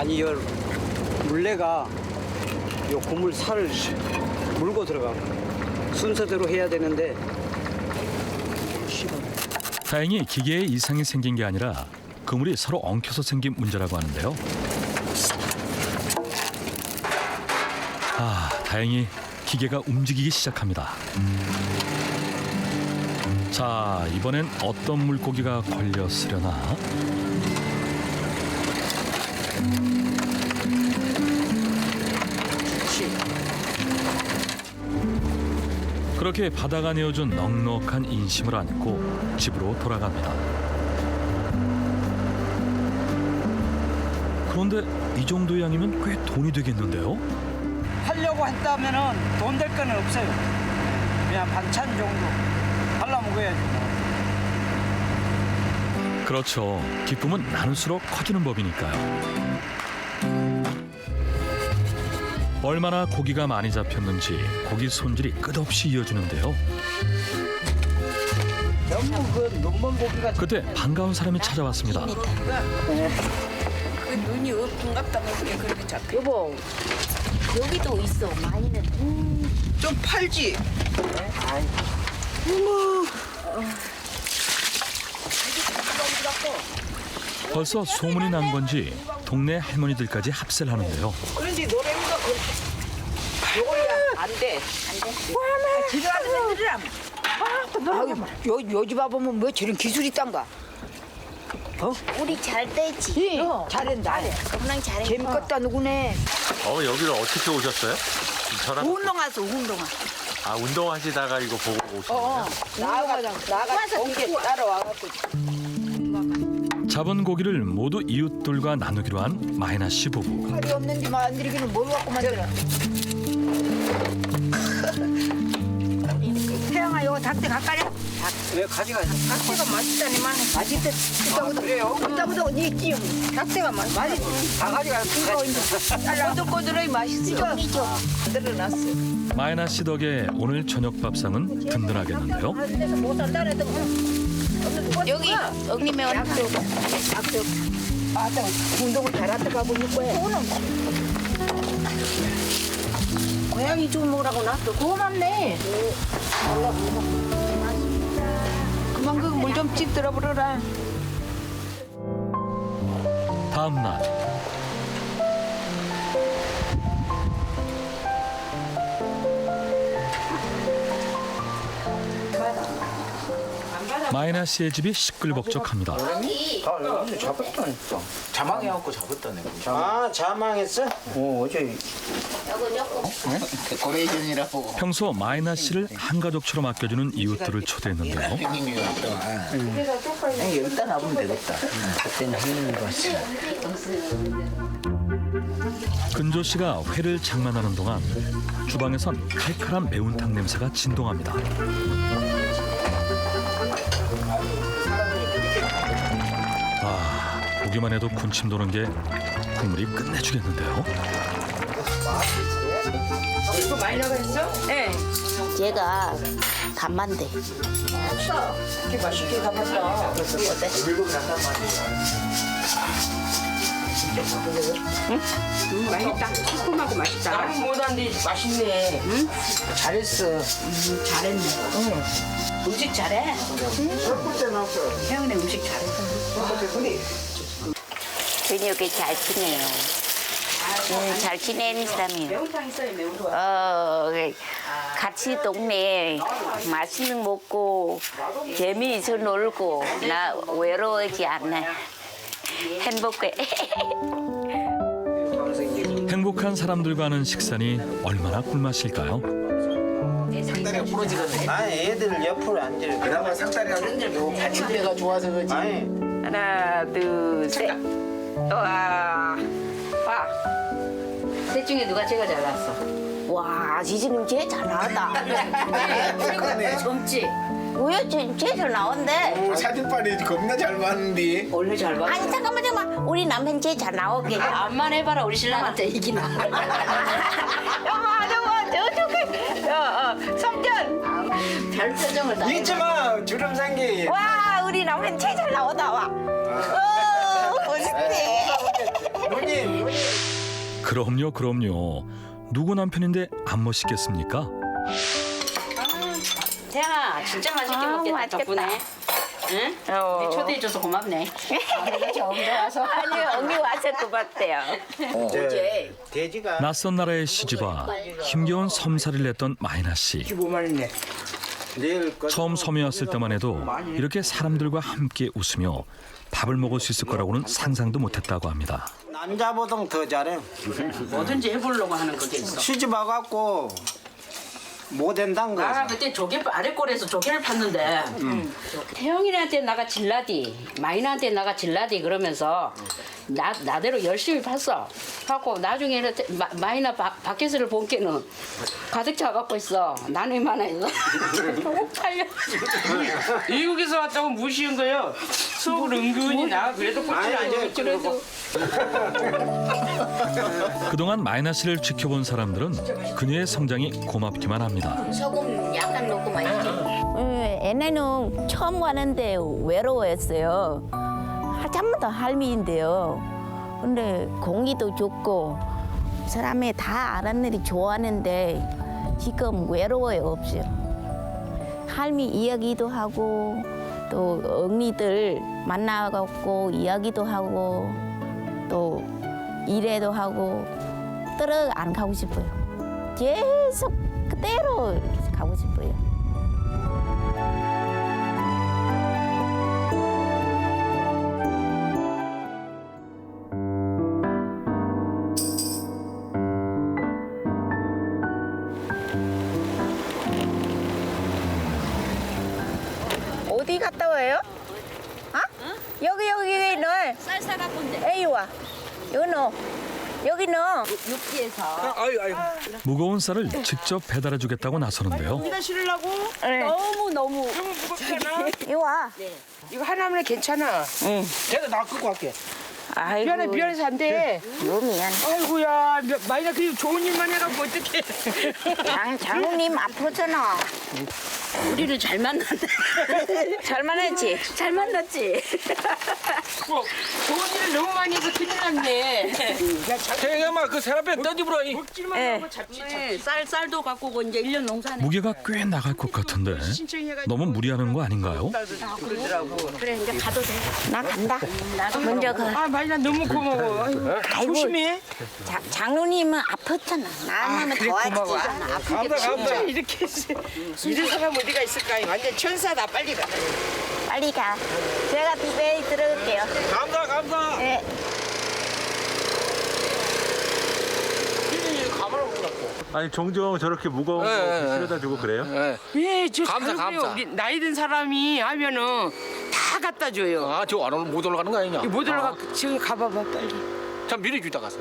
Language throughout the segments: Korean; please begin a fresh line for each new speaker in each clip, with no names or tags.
아니, 이 물레가 요 고물 살을 물고 들어가. 순서대로 해야 되는데.
다행히 기계에 이상이 생긴 게 아니라 그물이 서로 엉켜서 생긴 문제라고 하는데요. 다행히 기계가 움직이기 시작합니다. 자, 이번엔 어떤 물고기가 걸렸으려나? 그렇게 바다가 내어준 넉넉한 인심을 안고 집으로 돌아갑니다. 그런데 이 정도 양이면 꽤 돈이 되겠는데요?
하려고 했다면은 돈 될 거는 없어요. 그냥 반찬 정도 발라 먹어야지.
그렇죠. 기쁨은 나눌수록 커지는 법이니까요. 얼마나 고기가 많이 잡혔는지 고기 손질이 끝없이 이어지는데요.
너무 그 눈먼 고기가.
그때 반가운 사람이 찾아왔습니다.
그 눈이 없군갑다 보니까 그렇게 잡혀.
여보, 여기도 있어. 많이는.
좀 팔지.
벌써 소문이 난 건지 동네 할머니들까지 합세를 하는데요.
그런지 노래가 요거야 안 돼. 집에 가는 애들이랑.
요즘 와보면 뭐 저런 기술이 있단가?
우리 잘 떼지.
잘한다.
금방 잘해.
재밌겠다 누구네.
여기를 어떻게 오셨어요? 저랑
운동하서 운동하.
운동하시다가 이거 보고 오신 거예요?
나가서 공개 따라와갖고.
잡은 고기를 모두 이웃들과 나누기로 한 마이나 씨 부부.
칼이 없는지 만들기는 뭘 갖고 만들어? 태양아 이거 닭대 가까냐?
왜 가져가지?
닭새가 맛있다니만.
맛있대. 그래요? 그때부터 니 찌용.
닭새가 맛있지.
다 가져가.
이거 이제
꼬들꼬들하니 맛있어. 만들어놨어.
마이나 씨 덕에 오늘 저녁 밥상은 든든하겠는데요.
못 산다 그랬던
여기 ог니면
약속. 아따 운동을 잘한다 가고 있는 거야.
고양이 좀 먹으라고 놨어. 고맙네.
그만 그 물 좀 찌들어 버려라.
다음 날 마이나 씨의 집이 시끌벅적합니다.
오늘 잡았다니까.
자망해갖고 잡았다네.
아, 자망했어? 어제.
데코레이션이라고
평소 마이나 씨를 한 가족처럼 아껴주는 이웃들을 초대했는데요.
형님이 왔다.
여기다 놔보면 되겠다. 그때는 하는 거 같아.
근조 씨가 회를 장만하는 동안 주방에선 칼칼한 매운탕 냄새가 진동합니다. 보기만 해도 군침 도는 게 국물이 끝내주겠는데요.
이거 많이 나가있어? 네.
얘가 간만데.
이렇게 맛있게 담았다. 맛있다. 시큼하고 맛있다. 나는 못한데 맛있네. 응?
잘했어.
잘했네. 음식 잘해. 혜은이 음식 잘해.
저녁에 잘 지내요. 잘 지내는 사람이에요.
매운탕 있어요, 매운탕.
같이 동네에 맛있는 거 먹고 재미있어 놀고 나 외로워하지 않아. 행복해.
행복한 사람들과 하는 식사니 얼마나 꿀맛일까요?
상다리가 부러지거든.
아니, 애들 옆으로 앉을.
그나마 상다리가 흔들고 받침대가 좋아서 그러지.
아니,
하나, 둘, 셋. 와. 와. 셋 중에 누가 제일 잘 나왔어?
와, 지지님 제일 잘 나왔다.
그러네.
젊지?
왜 제일 잘 나온대?
사진빨이 겁나 잘 봤는데.
원래 잘 봐.
아니 잠깐만. 우리 남편 제일 잘 나오게.
암만 해봐라 우리 신랑한테 이기나. 성견. 별 표정을 다.
잊지 마, 주름 생기.
와, 우리 남편 제일 잘 나오다 와. 멋있지.
그럼요. 누구 남편인데 안 멋있겠습니까?
태양아 진짜 맛있게 먹겠다
맛있겠다.
덕분에. 응? 우리 초대해줘서 고맙네. 내가 처음 들어와서.
아니 언니 와서 고맙대요.
어제
돼지가
낯선 나라에 시집와 힘겨운 섬살이를 냈던 마이나 씨.
15만 원이네. 내일
처음 섬에 왔을 때만 해도 이렇게 사람들과 함께 웃으며 밥을 먹을 수 있을 거라고는 상상도 못했다고 합니다.
남자보다 더 잘해.
뭐든지 해보려고 하는 그게 있어.
시집 와갖고 못 된다는 거야.
나 그때 조개 아래골에서 조개를 팠는데 태영이한테 나가 질라디 마이나한테 나가 질라디 그러면서 나대로 열심히 팠어. 하고 나중에는 마이나 밖에서를 본 게는 가득 차갖고 있어. 나는 많아서 팔려.
미국에서 왔다고 무시한 거예요. 속으로 은근히 나 그래도 꼴찌 아니야.
그래도
그동안 마이나 씨를 지켜본 사람들은 그녀의 성장이 고맙기만 합니다.
소금 약간 넣고 맛있지. 애네는 처음 가는데 외로워했어요. 한참부터 할미인데요. 근데 공기도 좋고 사람이 다 아랫일이 좋아하는데 지금 외로워요 없어요. 할미 이야기도 하고 또 언니들 만나갖고 이야기도 하고 또 일해도 하고 떨어 안 가고 싶어요. 계속 그대로 가고 싶어요. 어디 갔다 와요? 아? 여기 넣어.
쌀 사갖고 온대.
에이 와. 여기 넣어. 여기 넣어.
육지에서.
무거운 쌀을 직접 배달해 주겠다고 나서는데요.
네가 실으려고?
네.
너무
너무 무겁잖아.
여기 와.
이거 하나면 괜찮아.
응.
내가 나 끌고 갈게.
아이고.
미안해서 안 돼.
요 미안.
아이고야, 마이나 그 좋은 일만 해갖고 어떡해.
장모님 아프잖아.
우리를 잘 만났네.
잘 만났지?
잘 만났지.
뭐, 좋은 일을 너무 많이 해서 큰일 났네. 태영아, 그 세라페 떠집으라. 먹지만
예.
하고 잡지.
쌀도 갖고 오고 이제 1년 농사네.
무게가 꽤 나갈 것 같은데 너무 무리하는 거 아닌가요?
그래 이제 가도 돼.
나 간다. 먼저 가.
아, 마이나 너무 고마워. 아이고, 조심해.
장모님은 아팠잖아. 나는 도와주잖아.
진짜 이렇게 이런 사람 어디가 있을까? 완전 천사다. 빨리 가.
빨리 가. 제가 집에 들어갈게요.
감사.
네.
아니 종종 저렇게 무거운 거 실어다 주고 그래요?
예, 저
감사,
다르고요.
감사.
우리 나이 든 사람이 하면은 다 갖다 줘요.
아, 저 안으로 못 올라가는 거 아니냐?
못 올라가. 지금 가봐봐 빨리.
참 미리 주다 가서.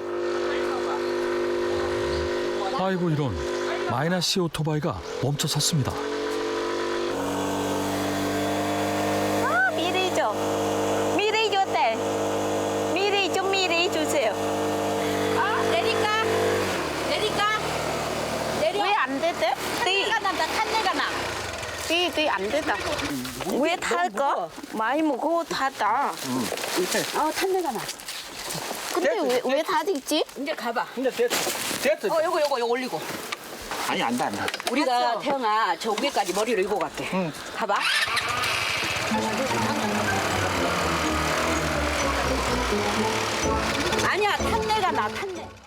아이고 이런 마이나 씨 오토바이가 멈춰 섰습니다.
미리 줘. 미리 줬대. 미리 주세요.
내릴까? 내려.
왜 안 됐대?
탄내가 난다. 탄내가 나.
뒤 안 됐다. 왜 탈까? 많이 먹고 탔다.
탄내가 나.
근데 왜 타지?
이제 가봐.
근데 됐어.
요거 올리고.
아니, 안 돼, 안 돼.
우리가 태영아 저 위에까지 머리를 이고 갈게. 가봐. 아니야 탄내가 나 탄내.